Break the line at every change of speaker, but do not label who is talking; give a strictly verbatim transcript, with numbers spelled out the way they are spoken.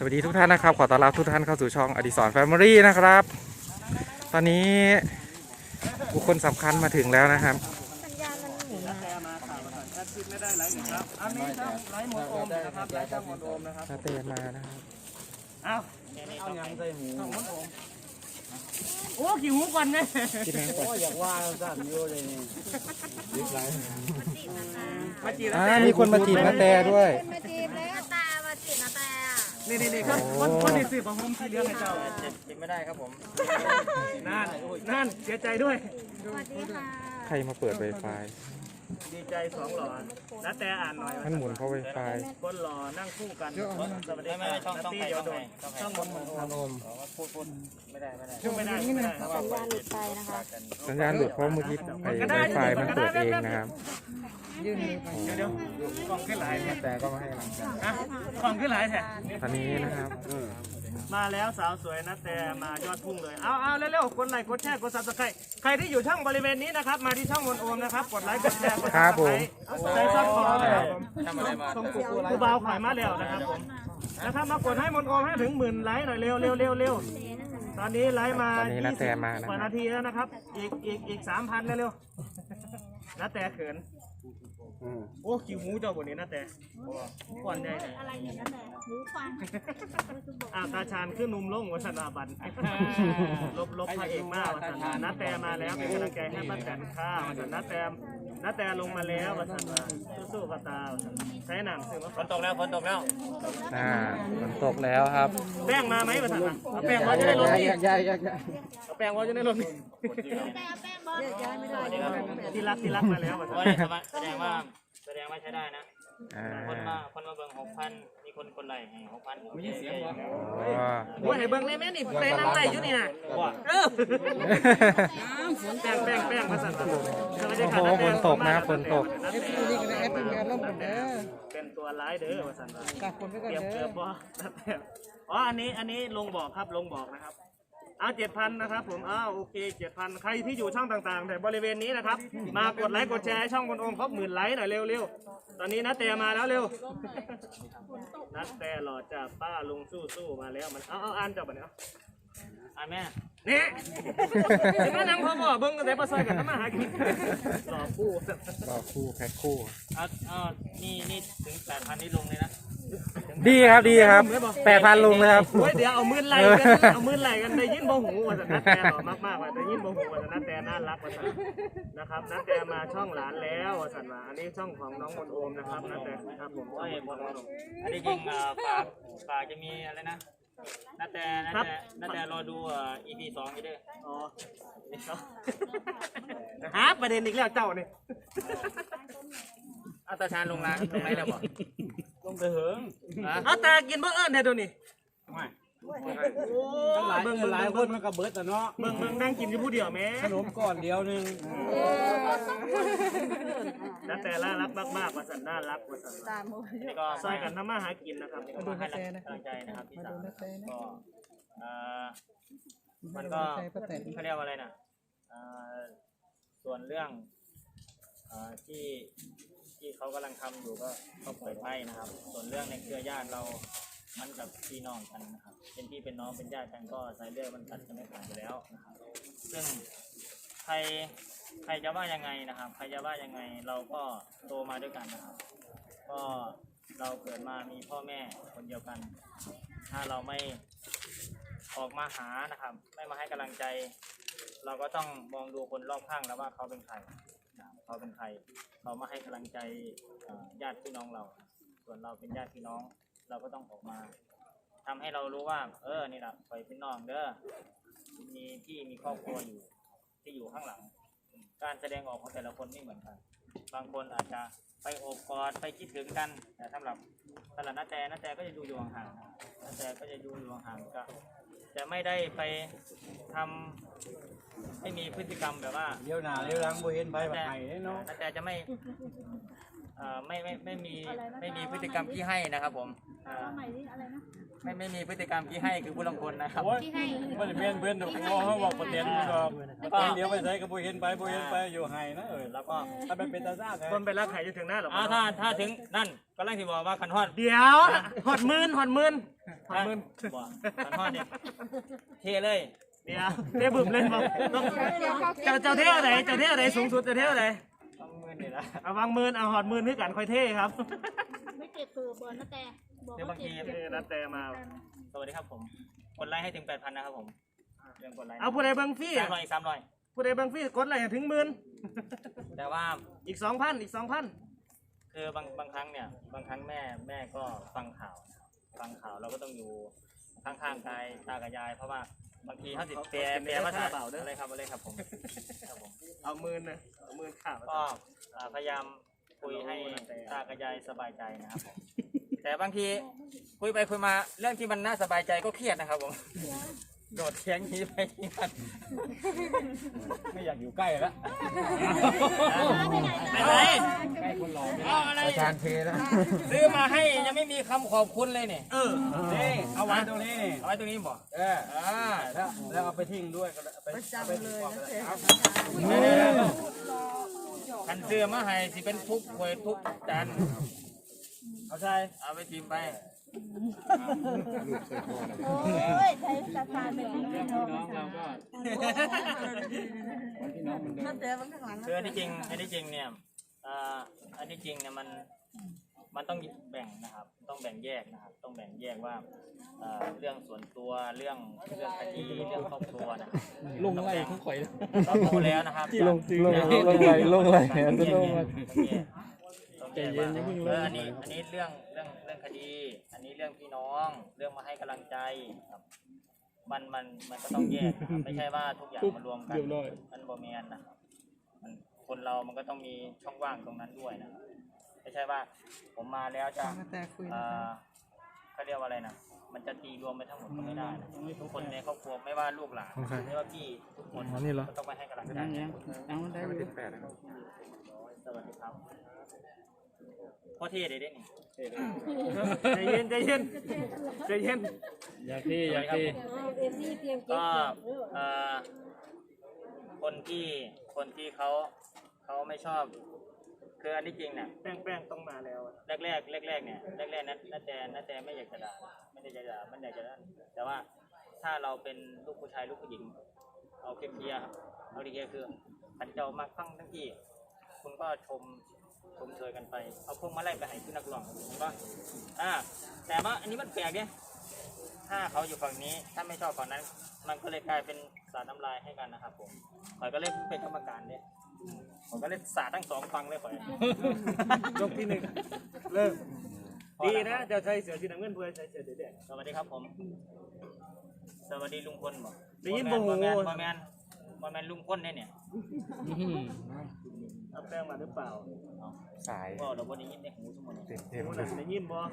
วัสดีทุกท่านนะครับขอต้อนรับทุกท่านเข้าสู่ช่องอดิศรแฟมิลี่นะครับตอนนี้บุคคลสำคัญมาถึงแล้วนะครับ
สัญญาณมันหมุนมามาข่าวมาแอดชิดไม่ได้ไลฟ์นะครับอันนี้ครับไลฟ์หมดโอมนะครับไลฟ์ช่องหมดโอมนะครับ
นาเตนมานะครับ
เอาเอายังใส่หูช่องหมดโอมโอ้กี่หูก่อนเนี่ย
กินแมงก่อน
อยากว่าสั่นโยเลยนี่ยึดไร
มาจีบ
อ่ามีคนมาจีบนาเตด้วย
มาจีบแล้วตามาจีบนาแต่
นี่นี่นี่ครับคนคนที่สืบของผมที่เลี้ยงให้เจ้า
จีบไม่ได้ครับผม
นั่นนั่นเสียใจด้วย
สวัสดีค่ะ
ใครมาเปิดไวไฟ
ดีใจสองหล่อนาแต่อ่านหน่อย
มันหมุนเพราะไวไฟ
คนหล่อนั่งคู่กันสวัสดีครับช่องต้องใครช่องไหนช่องหมดโอม
พูดพูดไม่ได้ไม่ได้
ช่องไม่ได้ไม่ได้
สัญญาณหลุดไปนะคะ
สัญญาณหลุดเพราะเมื่อกี้ไอ้ไวไฟมันเปิดเองนะครับ
เดี๋ยวเดี๋ยวกล่องขึ้นหลาย
แต่ก็ไม่ให้หลังจาก
อ่ะกล่องขึ้นหลายแท้
ตอนนี้นะครับ
มาแล้วสาวสวยนะแต่มายอดพุ่งเลยเอาเอาเร็วๆกดไลค์กดแชร์กดซับสไครต์ใครที่อยู่ช่องบริเวณนี้นะครับมาที่ช่องมนโอมนะครับกดไลค์กดแชร์กดซับสไครต์ใจซับคอนะครับผมส่งกูกูเบาขายมาแล้วนะครับผมนะครับมากดให้มนโอมให้ถึงหมื่นไลค์หน่อยเร็วเร็วเร็วเร็วตอนนี้ไลค์มายี่สิบกว่านาทีแล้วนะครับอีกอีกอีกสามพันเร็วๆนะแต่เขินโอ้คิวหูเจ้าบนนี้นะแต่ก่อนใหญ่เลย
อะไรเนี่ยนะแต่หูฟัง
อาตาชานขึ้นนุ่มลงวัฒนาบันลบลบพระเอกมากวัฒนานัดแต่มาแล้วเป็นกำลังใจให้ป้าแตนข้าวัฒนานัดแต่นัดแต่ลงมาแล้ววัฒนาสู้ๆป้าตาใช้หนังซึ่งว่า
ฝนตกแล้วฝนตกแล้ว
อ่าฝนตกแล้วครับ
แป้งมาไหมวัฒนาเอาแป้งว่าจะได้รถนี่
ใหญ่ใหญ่
เอาแป้งว่าจะได้รถนี่
แป้งบอลย้ายไม่ได้
ที่รักที่รักมาแล้ววัฒนา
แสดงว่าแสดงว่าใช้ได้นะคนมาคนมาเบิ่งหกพันมีคนคนไหลให้หกพันไม่ใช่เสียงวะ
ว่าให้เบิ่งเลยแม่นี่ไปนั่งไหลอยู่นี่นะว่าเออแป้งแป้งแป้งมาสั่น
โอ้โหฝนตกนะฝนตก
เป็นตัวร้ายเด้อมาสั่นเตรียมเกือบบ่อ๋ออันนี้อันนี้ลงบอกครับลงบอกนะครับเอาเจ็ดพันนะครับผมอ้าวโอเคเจ็ดพันใครที่อยู่ช่องต่างๆแต่บริเวณนี้นะครับมากดไลค์กดแชร์ช่องคนโอมครบหมื่นไลค์หน่อยเร็วๆตอนนี้นัดแต่มาแล้วเร็วนัดแต่หล่อจากป้าลุงสู้ๆมาแล้วมันเอาเอาอ่านจับไปเนาะ
อ่านแม่
นี่ถึงแม่นางพ่อบอกเบิ้งกันแต่ปลาซอยกันทำมาหากินหล่อคู่
หล่อคู่แพ็คคู่
อ่ะอ่านี่นี่ถึงแปดพันนี่ลงเลยนะ
ดีครับดีครับแปดพันลงเลยครับ
เดี๋ยวเอามือไหลกันเอามือไหลกันได้ยินบ่หูว่าจะนัดแต่หล่อมากๆว่าได้ยินบ่หูว่าจะนัดแต่น่ารักว่าสันนะครับนัดแต่มาช่องหลานแล้วว่าสันว่าอันนี้ช่องของน้องมนโอมนะครับนัดแต่ครับผม
โอ้ยหมดแล้วอันนี้จริงฝากฝากจะมีอะไรนะนัดแต่นัดแต่นัดแต่รอดูอ่า อี พี สองอยู่ด้วย
อ๋อฮะประเด็นอีกแล้วเจ้านี่
เอาตาชานลงร้านลงไหนแล้วบอก
ลงไปเหิงเอาตากินเบอร์เอิญเนี่ยดูนี่
ไม่
โอ้
เบิ่งหลายคนมันก็เบิดแต่เนาะ
เบิ่งเบิ่งนั่งกินอยู่ผู้เดียวแม่
ขนมก้อนเดียวนึง
นัดแต่น่ารักมากๆว่าสันน่ารักว่าสัน
นี่ก็
ซอยกันทำมาหากินนะครับ
มาดูให้กำลังใจนะครับพี่สาวก็มันก็เขาเรียกว่าอะไรนะส่วนเรื่องที่ที่เขากำลังทำอยู่ก็ก็เปิดให้นะครับส่วนเรื่องในเครือญาติเรามันกับพี่น้องกันนะครับเป็นพี่เป็นน้องเป็นญาติกันก็สายเลือดมันตัดกันไม่ขาดอยู่แล้วนะครับซึ่งใครใครจะว่ายังไงนะครับใครจะว่ายังไงเราก็โตมาด้วยกันนะครับก็เราเกิดมามีพ่อแม่คนเดียวกันถ้าเราไม่ออกมาหานะครับไม่มาให้กำลังใจเราก็ต้องมองดูคนรอบข้างแล้วว่าเขาเป็นใครเขาเป็นใครเขามาให้กำลังใจญาติพี่น้องเราส่วนเราเป็นญาติพี่น้องเราก็ต้องออกมาทำให้เรารู้ว่าเออนี่แหละไปพี่น้องเด้อมีที่มีครอบครัวอยู่ที่อยู่ข้างหลังการแสดงออกของแต่ละคนไม่เหมือนกันบางคนอาจจะไปโอบกอดไปคิดถึงกันแต่สำหรับสำหรับน้าแต่น้าแต่ก็จะดูอยู่ห่างๆน้าแต่ก็จะดูอยู่ห่างๆก็จะไม่ได้ไปทำไม่มีพฤติกรรมแบบว่า
เลี้ยวหน้าเลี้ยวหลังบ่เห็นไปแบบไหนเนาะ
แต่จะไม่ไม่ไม่ไม่มีไม่มีพฤติกรรมที่ให้นะครับผมไม่ไม่มีพฤติกรรมที่ให้คือผู้ลงคนนะครับ
ที่ให้
ไม่ได้เพื่อนเพื่อนดูเขาบอกประเด็นนี่ก็ประเด็นเดียวไปใส่ก็บ่เห็นไปบ่เห็นไปอยู่ไห้นะเออ
แล้วก็
ถ้าเป็นเป็นตาซ่าคนไปรักไห้จะถึงหน้าหรอ
ถ้าถ้าถึงนั่นก็แรกที่บอกว่าขันฮอด
เดี๋ยวหอดมื่นหอดมื่นหอดหมื่น
บ่ตอนทอดเนี่ยเทเลย
เดี๋ยวเท่บึ้มเลยบอกเจ้าเจ้าเท่าไหนเจ้าเท่าไหนสูงสุดเจ้าเท่าไหน
ต้องมือนี่ละ
เอาวางหมื่นเอาหอดหมื่นให้กันค่อยเท่ครับ
ไม่เจ็บตัวบอลนะแต่บอก
เดี๋ยว
ว่า
บางที
เท่นัดแต่มา
สวัสดีครับผมกดไลค์ให้ถึงแปดพันนะครับผมเรื่องกดไลค์
เอาผู้ใดเบังฟี่
สามร้อยอีกสามร้อย
ผู้ใดเบังฟี่กดไลค์ให้ถึงหมื่น
แต่ว่า
อีกสองพันอีกสองพัน
คือบางบางครั้งเนี่ยบางครั้งแม่แม่ก็ฟังข่าวฟังข่าวเราก็ต้องอยู่ข้างๆกายตากับยาย เพราะว่าบางทีเขาติดแปลแปลภาษาอะไรครับอะไรครับผมครับผม
เอาหมื่นนะเอาหมื่นข่าว
ก็อ่าพยายามคุยให้ตากับยายสบายใจนะครับผมแต่บางทีคุยไปคุยมาเรื่องที่มันน่าสบายใจก็เครียดนะครับผมโดดเทียงหนี้ไปที่มันไม่อยากอยู่ใกล้แล้วไปไหนเอาอะไร
อาจารย์เทแล้ว
ซื้อมาให้ยังไม่มีคำขอบคุณเลยเนี่ย
เออ
นี่เอาไว้ตรงนี้นี่เอาไว้ตรงนี้บ่เอออ่าแล้วแล้วเอาไปทิ้งด้วยก็ไปจำเลยนะคันเสื้อมาให้สิเป็นทุกข์หวยทุกข์จันเอาใช่เอาไปทีมไป
โอ้ยใช้สถานเป็นพี่น้องเราก็นั่นแต่บางข้างหลัง
คืออันที่จริงอันที่จริงเนี่ยอ่าอันที่จริงเนี่ยมันมันต้องแบ่งนะครับต้องแบ่งแยกนะครับต้องแบ่งแยกว่าเอ่อเรื่องส่วนตัวเรื่องเรื่องคดีเรื่องครอบครัวนะครับลงอะไรทั้งข่อยก็โตแล้วนะครับลงลงลงอะไรลงอะไรอันนี้ลงมาใจเย็นอย่าเพิ่งลงอันนี้อันนี้เรื่องเรื่องเรื่องคดี อันนี้เรื่องพี่น้องเรื่องมาให้กำลังใจครับมันมันมันก็ต้องแยกนะครับไม่ใช่ว่าทุกอย่างมารวมกันมันบ่แม่นนะครับมันคนเรามันก็ต้องมีช่องว่างตรงนั้นด้วยนะครับไม่ใช่ว่าผมมาแล้วจะเอ่อเขาเรียกว่าอะไรนะมันจะตีรวมไปทั้งหมดก็ไม่ได้นะทุกคนในครอบครัวไม่ว่าลูกหลานไม่ว่าพี่ทุกคนก็ต้องไปให้กำลังใจ
ไม่ติดแปดนะครับ
สวัสดีครับพ่อเท่เลยเด้นี่
ใจเย็นใจเย็นใจเย็น
อยากที่อยากที่ก็เอ่อคนที่คนที่เขาเขาไม่ชอบคืออันที่จริงเนี่ย
แป้งแป้งต้องมาแล้ว
แรกแรกแรกแรกๆเนี่ยแรกแรกๆนัดนัดแต่นัดแต่ไม่อยากจะด่าไม่ได้จะด่าไม่ได้จะด่าแต่ว่าถ้าเราเป็นลูกผู้ชายลูกผู้หญิงเอาเคลียร์ครับเอาดีเคลียร์คือขันเจ้ามาฟังทั้งที่คุณก็ชมชมเชยกันไปเอาพวกมาไล่ไปให้ขึ้นนักร้องเห็นปะอ่าแต่ว่าอันนี้มันแปลกเนี่ยถ้าเขาอยู่ฝั่งนี้ถ้าไม่ชอบฝั่งนั้น มันก็เลยกลายเป็นสาดน้ำลายให้กันนะครับผมข่อยก็เลยเป็นกรรมการเนี่ยผมก็เลยสาดทั้งสองฝั่งเลยข่อย
ยกที่หนึ่งเริ่มดีนะเจ้าชายเสือสีน้ำเงินเพื่อใช้เสือสีแดง
สวัสดีครับผม สวัสดีลุงพลบ่
ได้ยินบ่
บ่
โห
แมนบ่แมนบ่แมนลุงพลเนี่ยเนี่ย
เอาแป้งมาหรือเปล่า
สาย
ก็เราบ่ได้ยินในหูสมมุติ
เต็มเต็ม
ได้ยินบ่